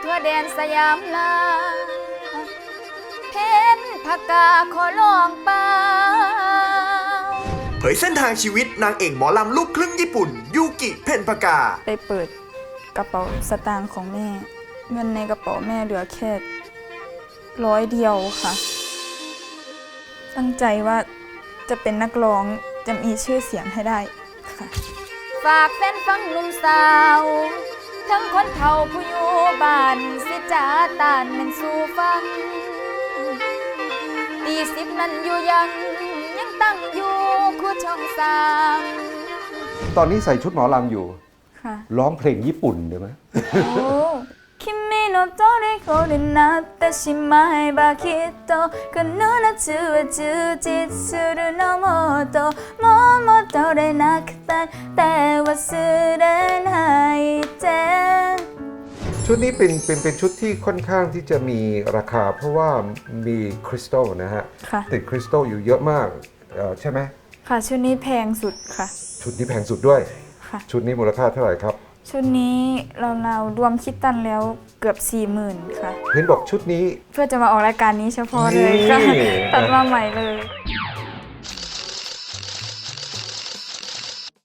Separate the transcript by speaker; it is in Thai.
Speaker 1: ทั่วแดนสยามลาเพนผักกาขอลองเปล่า
Speaker 2: เผยเส้นทางชีวิตนางเอกหมอลำลูกครึ่งญี่ปุ่นยูกิเพ็ญปากา
Speaker 1: ไปเปิดกระเป๋าสตางค์ของแม่เงินในกระเป๋าแม่เหลือแค่100เดียวค่ะ ตั้งใจว่าจะเป็นนักร้องจะมีชื่อเสียงให้ได้ค่ะฝากแฟนฟังหนุ่มสาวทั้งคนเฒ่าผู้อยู่บ้านสิจ้าตานแม่นสู่ฟังตี10นั้นอยู่ยังตั้งอยู่คู่ช่อง3
Speaker 3: ตอนนี้ใส่ชุดหมอลำอยู่
Speaker 1: ค่ะ
Speaker 3: ร้องเพลงญี่ปุ่นได้ไหม
Speaker 1: 君の虜になってしまえばきっとこの夏は充実するのもっともう戻れなくたって忘れないで
Speaker 3: ชุดนี้เป็นชุดที่ค่อนข้างที่จะมีราคาเพราะว่ามีคริสตัลนะฮะ
Speaker 1: ค่ะ
Speaker 3: ติดคริสตัลอยู่เยอะมากใช่ไหม
Speaker 1: ค่ะชุดนี้แพงสุดค่ะ
Speaker 3: ชุดนี้แพงสุดด้วย
Speaker 1: ค่ะ
Speaker 3: ชุดนี้มูลค่าเท่าไหร่ครับ
Speaker 1: ชุดนี้เรารวมคิดตันแล้วเกือบ 40,000 ค่ะ
Speaker 3: เห็นบอกชุดนี้
Speaker 1: เพื่อจะมาออกรายการนี้เฉพาะเลยค่ะ
Speaker 3: นี่
Speaker 1: ตัดมาใหม่เลย